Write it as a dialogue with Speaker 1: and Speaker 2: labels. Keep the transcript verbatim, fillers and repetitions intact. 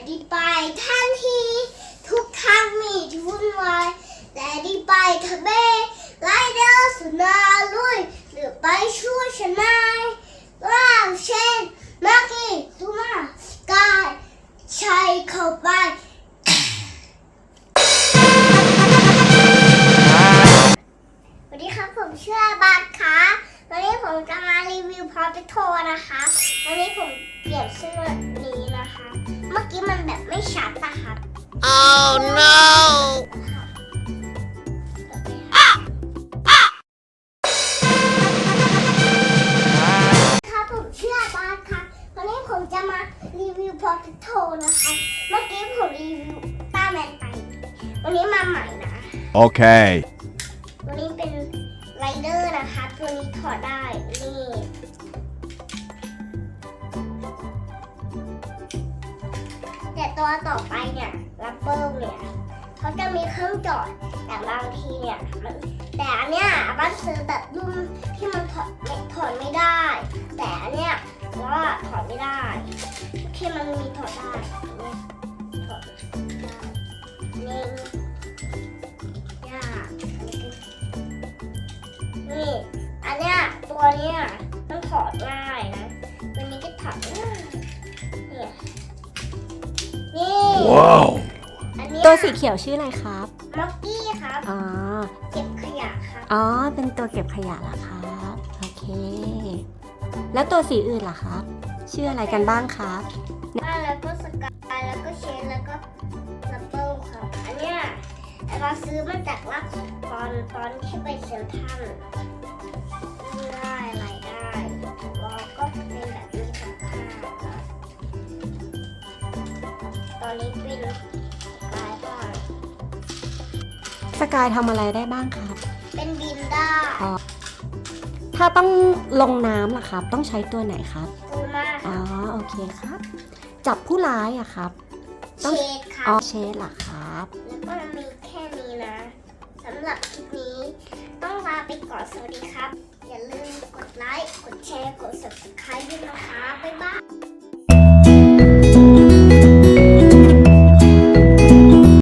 Speaker 1: ดีไปทันทีทุกทางมีที่วุ่นวายแต่ดีไปทะเบไลเดอร์สุนาลุยหรือไปช่วยฉันนายว้าวเชนมากี้ทูมาสกายใช้เข้าไปสวัสดีครับผมชื่อบัตค่ะวันนี้ผมจะมารีวิวพอพิโทนะคะวันนี้ผมเปลี่ยนเสื้อนี้นะคะเมื่อกี้มันแบบไม่ชัดอะครับ
Speaker 2: Oh no
Speaker 1: ครับผมชื่อบัตค่ะวันนี้ผมจะมารีวิวพอพิโทนะคะเมื่อกี้ผมรีวิวต้าแมนไปวันนี้มาใหม่นะ
Speaker 2: Okay.
Speaker 1: ตัวนี้เป็นไรเดอร์นะคะตัวนี้ถอดได้นี่แต่ตัวต่อไปเนี่ยรับเบิลเนี่ยเขาจะมีเครื่องจอดแต่บางทีเนี่ยมันแต่อันเนี้ยบ้านซื้อแบบรุ่นที่มันถอดไม่ถอดไม่ได้ แต่อันเนี้ยว่าถอดไม่ได้ที่มันมีถอดได้เนี่ยถอดได้นี่ยากนี่อันเนี้ยตัวเนี้ยมันถอดง่ายนะตัวนี้ก็ถอดง่ายเนี่ยนี่
Speaker 2: Wow.
Speaker 1: อันเนี้ย
Speaker 3: ตัวสีเขียวชื่ออะไรครับ
Speaker 1: ม็อกกี้ครับ
Speaker 3: อ๋อ
Speaker 1: เก็บขยะครับ
Speaker 3: อ๋อ เป็นตัวเก็บขยะเหรอครับ โอเค แล้วตัวสีอื่นล่ะครับ ชื่ออะไรกันบ้างครับ
Speaker 1: บ้านแล้วก็สกายแล้วก็เชนแล้วก็ลับเบิลครับอันเนี้ยเราซื้อมาจากว่าตอนตอนที่ไปเซ็นทรัลได้อะไรได้แล้วก็เป็นแบบนี้ค่ะตอนนี้เป็นลายบ้าง
Speaker 3: สกายทำอะไรได้บ้างครับ
Speaker 1: เป็นบินได้
Speaker 3: ถ้าต้องลงน้ำล่ะครับ ต้องใช้ตัวไหนครับ
Speaker 1: ปูมา
Speaker 3: อ๋อ โอเคครับ จับผู้ร้ายอะครับ
Speaker 1: เชดครั
Speaker 3: อ๋อบ เชดเหรอครับ
Speaker 1: แล้วก็มีแค่นี้นะสำหรับคลิปนี้ต้องลาไปก่อนสวัสดีครับ อย่าลืมกดไลค์ กดแชร์ กด ซับสไครบ์ ด้วยนะคะ บ๊ายบาย